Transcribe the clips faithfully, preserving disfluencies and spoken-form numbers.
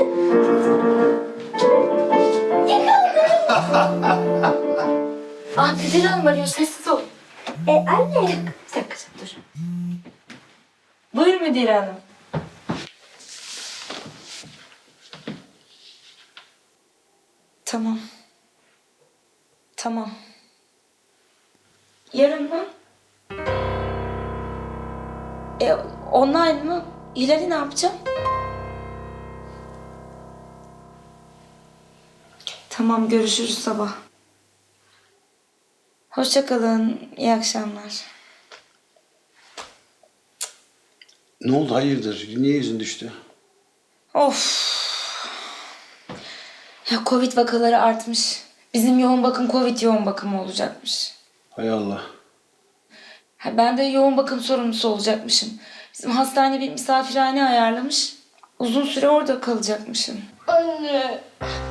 Ah, Fidan Hanım arıyor. Sessiz ol. E anne. Bir dakika, dur. Buyur Müdire Hanım. Tamam. Tamam. Yarın mı? E, online mı? İleri ne yapacağım? Tamam, görüşürüz sabah. Hoşça kalın. İyi akşamlar. Ne oldu hayırdır? Niye yüzün düştü? Of. Ya Covid vakaları artmış. Bizim yoğun bakım Covid yoğun bakımı olacakmış. Hay Allah. Ha, ben de yoğun bakım sorumlusu olacakmışım. Bizim hastane bir misafirhane ayarlamış. Uzun süre orada kalacakmışım. Anne.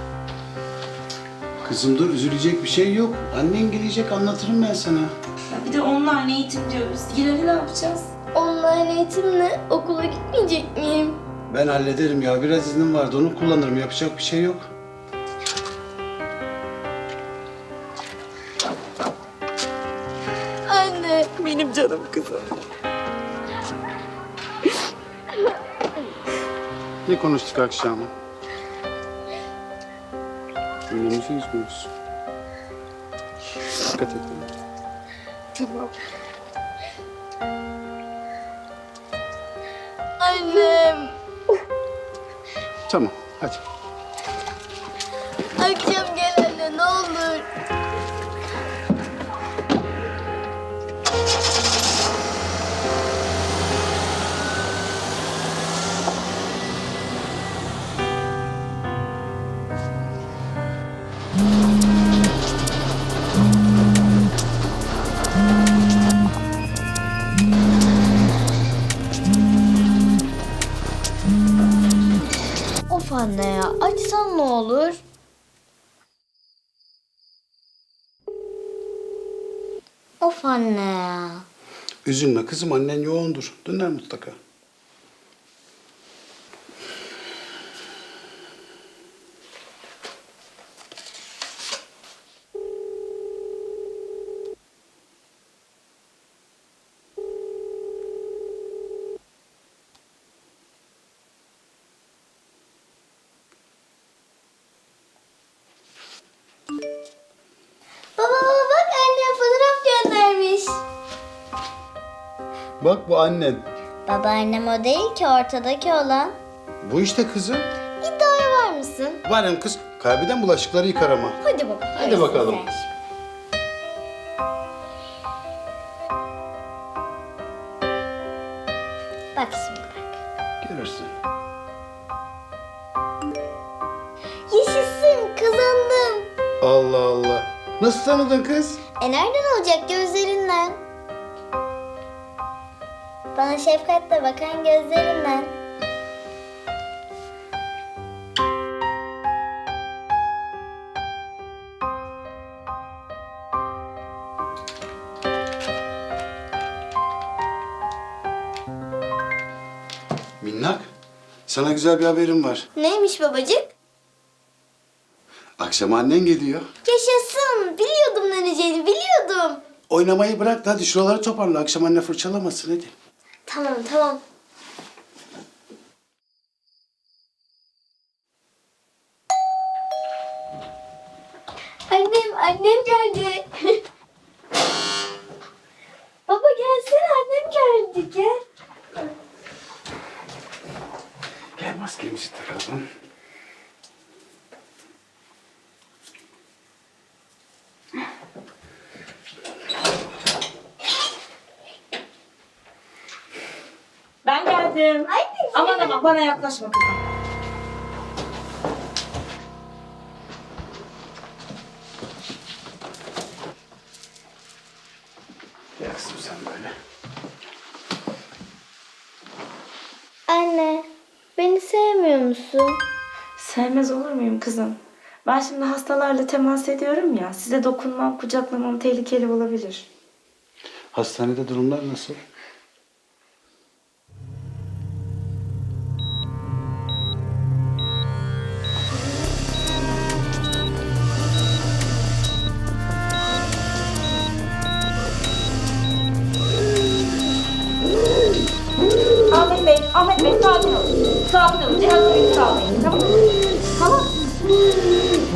Kızım dur, üzülecek bir şey yok. Annen gelecek, anlatırım ben sana. Ya bir de online eğitim diyoruz. İleri ne yapacağız? Online eğitimle okula gitmeyecek miyim? Ben hallederim ya. Biraz iznim vardı. Onu kullanırım. Yapacak bir şey yok. Anne. Benim canım kızım. Ne konuştuk akşam? Önemli şey konuşuyoruz. Dikkat et. Tamam. Annem. Tamam, hadi. Akşam gel anne ne olur. Of anne ya, açsan ne olur? Of anne ya. Üzülme kızım, annen yoğundur. Döner mutlaka. Baba baba bak annem fotoğraf göndermiş. Bak bu annen. Babaannem o değil ki ortadaki olan. Bu işte kızım. İddiaya var mısın? Varım kız. Kaybeden bulaşıkları yıkar ama. Hadi bakalım. Hadi bakalım. Bak şimdi bak. Görürsün. Yaşasın kazandım. Allah Allah. Nasıl tanıdın kız? E nereden olacak gözlerinden? Bana şefkatle bakan gözlerinden. Minnak, sana güzel bir haberim var. Neymiş babacık? Akşam annen geliyor. Yaşasın. Biliyordum döneceğini biliyordum. Oynamayı bırak da hadi şuraları toparla. Akşam anne fırçalamasın hadi. Tamam tamam. Annem, annem geldi. Baba gelsene annem geldi gel. Gel maskemizi takalım. Ben geldim. Ay, Aman aman bana yaklaşma kızım. Gel kızım sen böyle. Anne, beni sevmiyor musun? Sevmez olur muyum kızım? Ben şimdi hastalarla temas ediyorum ya. Size dokunmam, kucaklamam tehlikeli olabilir. Hastanede durumlar nasıl?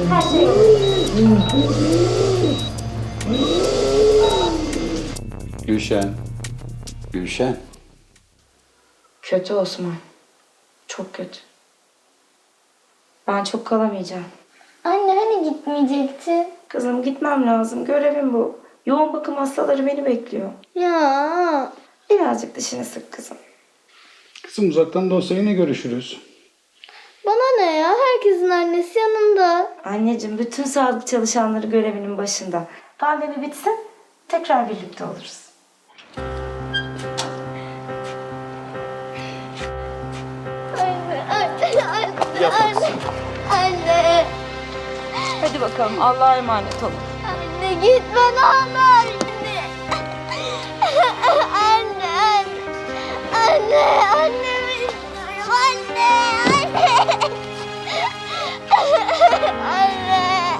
Her şey yolunda. Gülşen. Gülşen. Kötü Osman. Çok kötü. Ben çok kalamayacağım. Anne hani gitmeyecektin? Kızım gitmem lazım. Görevim bu. Yoğun bakım hastaları beni bekliyor. Ya. Birazcık dişini sık kızım. Kızım uzaktan da olsa yine görüşürüz. Bana ne ya? Herkesin annesi yanında. Anneciğim bütün sağlık çalışanları görevinin başında. Pandemi bitsin tekrar birlikte oluruz. Anne, anne, anne, anne. Anne, Hadi bakalım Allah'a emanet olun. anne gitme ne olur. Anne. Anne, anne. Anne, annemi istiyorum. Anne, anne. Anne.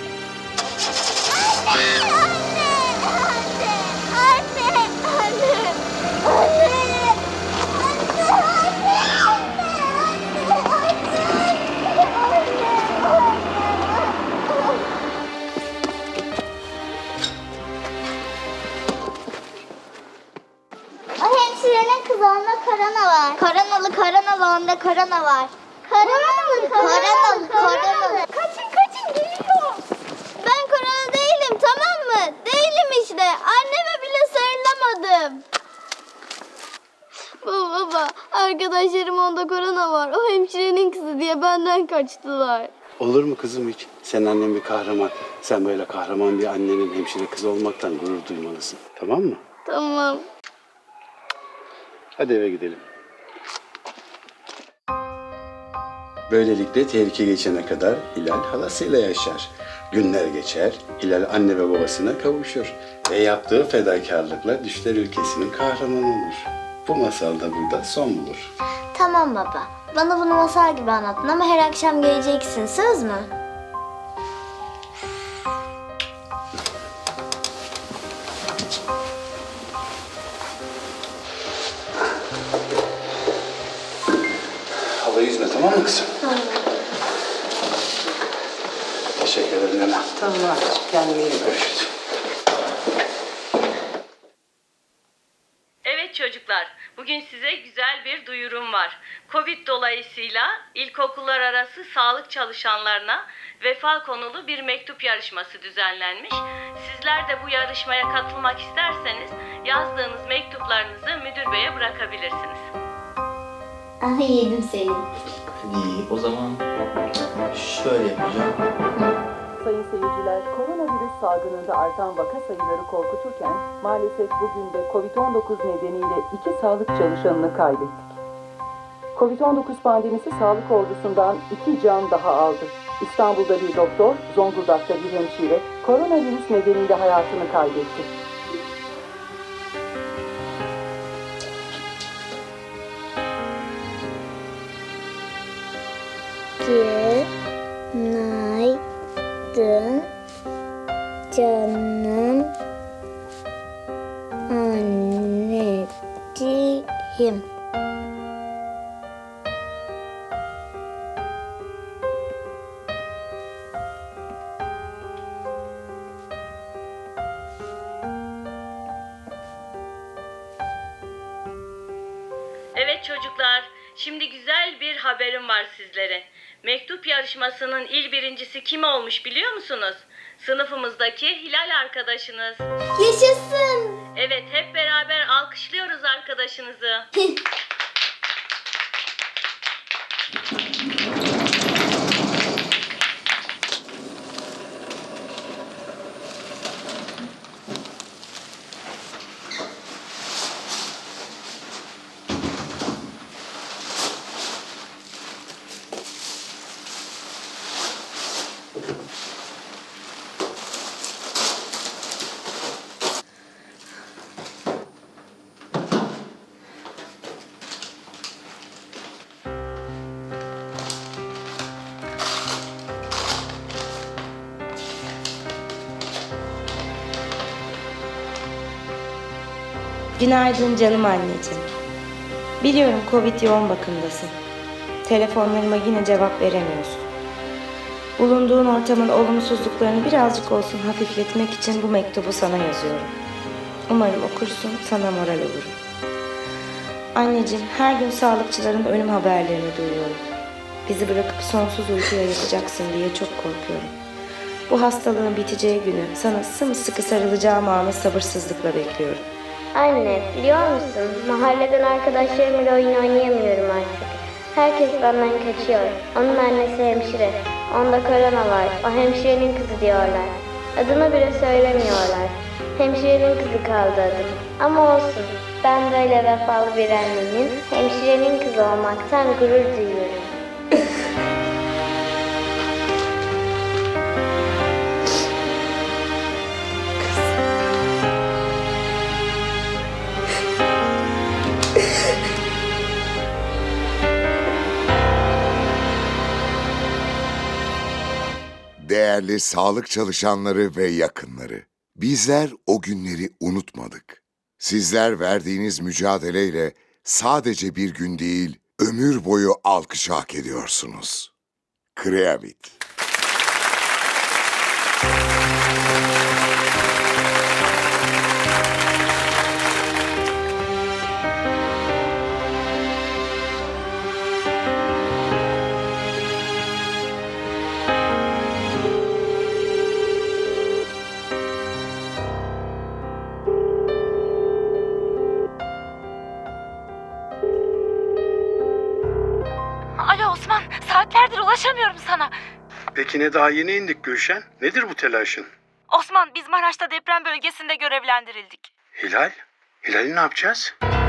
O hemşirenin kızı onda korona var. Koronalı koronalı onda korona var. Koronalı koronalı koronalı. Kaçın kaçın geliyor. Ben korona değilim tamam mı? Değilim işte. Anneme bile sarılamadım. Baba baba arkadaşlarım onda korona var. O hemşirenin kızı diye benden kaçtılar. Olur mu kızım hiç? Sen annen bir kahraman. Sen böyle kahraman bir annenin hemşire kızı olmaktan gurur duymalısın. Tamam mı? Tamam. Hadi eve gidelim. Böylelikle tehlike geçene kadar Hilal halasıyla yaşar. Günler geçer, Hilal anne ve babasına kavuşur. Ve yaptığı fedakarlıkla düşler ülkesinin kahramanı olur. Bu masal da burada son bulur. Tamam baba. Bana bunu masal gibi anlattın ama her akşam geleceksin. Söz mü? Hava yüzme tamam mı kızım? Tamam. Teşekkür ederim Nena. Tamam artık kendine iyi bak. Görüşürüz. Evet çocuklar, bugün size güzel bir duyurum var. Covid dolayısıyla ilkokullar arası sağlık çalışanlarına vefa konulu bir mektup yarışması düzenlenmiş. Sizler de bu yarışmaya katılmak isterseniz yazdığınız mektuplarınızı müdür beye bırakabilirsiniz. Ah yedim seni. İyi, o zaman şöyle yapacağım. Sayın seyirciler, koronavirüs salgınında artan vaka sayıları korkuturken maalesef bugün de kovid on dokuz nedeniyle iki sağlık çalışanını kaybettik. kovid on dokuz pandemisi sağlık ordusundan iki can daha aldı. İstanbul'da bir doktor, Zonguldak'ta bir hemşire koronavirüs nedeniyle hayatını kaybetti. Günaydın canım anneciğim. Evet çocuklar, şimdi güzel bir haberim var sizlere. Mektup yarışmasının il birincisi kim olmuş biliyor musunuz? Sınıfımızdaki Hilal arkadaşınız. Yaşasın. Evet, hep beraber alkışlıyoruz arkadaşınızı. Günaydın canım anneciğim. Biliyorum Covid yoğun bakımdasın. Telefonlarıma yine cevap veremiyorsun. Bulunduğun ortamın olumsuzluklarını birazcık olsun hafifletmek için bu mektubu sana yazıyorum. Umarım okursun, sana moral olurum. Anneciğim, her gün sağlıkçıların ölüm haberlerini duyuyorum. Bizi bırakıp sonsuz uykuya yatacaksın diye çok korkuyorum. Bu hastalığın biteceği günü, sana sımsıkı sarılacağım anı sabırsızlıkla bekliyorum. Anne, biliyor musun? Mahalleden arkadaşlarımla oyun oynayamıyorum artık. Herkes benden kaçıyor. Onun annesi hemşire. Onda korona var. O hemşirenin kızı diyorlar. Adını bile söylemiyorlar. Hemşirenin kızı kaldı adım. Ama olsun. Ben böyle vefalı bir annenin hemşirenin kızı olmaktan gurur duyuyorum. Değerli sağlık çalışanları ve yakınları, bizler o günleri unutmadık. Sizler verdiğiniz mücadeleyle sadece bir gün değil, ömür boyu alkış hak ediyorsunuz. Kreavit. Alo Osman, saatlerdir ulaşamıyorum sana. Peki ne, daha yeni indik Gülşen? Nedir bu telaşın? Osman, biz Maraş'ta deprem bölgesinde görevlendirildik. Hilal? Hilal'i ne yapacağız?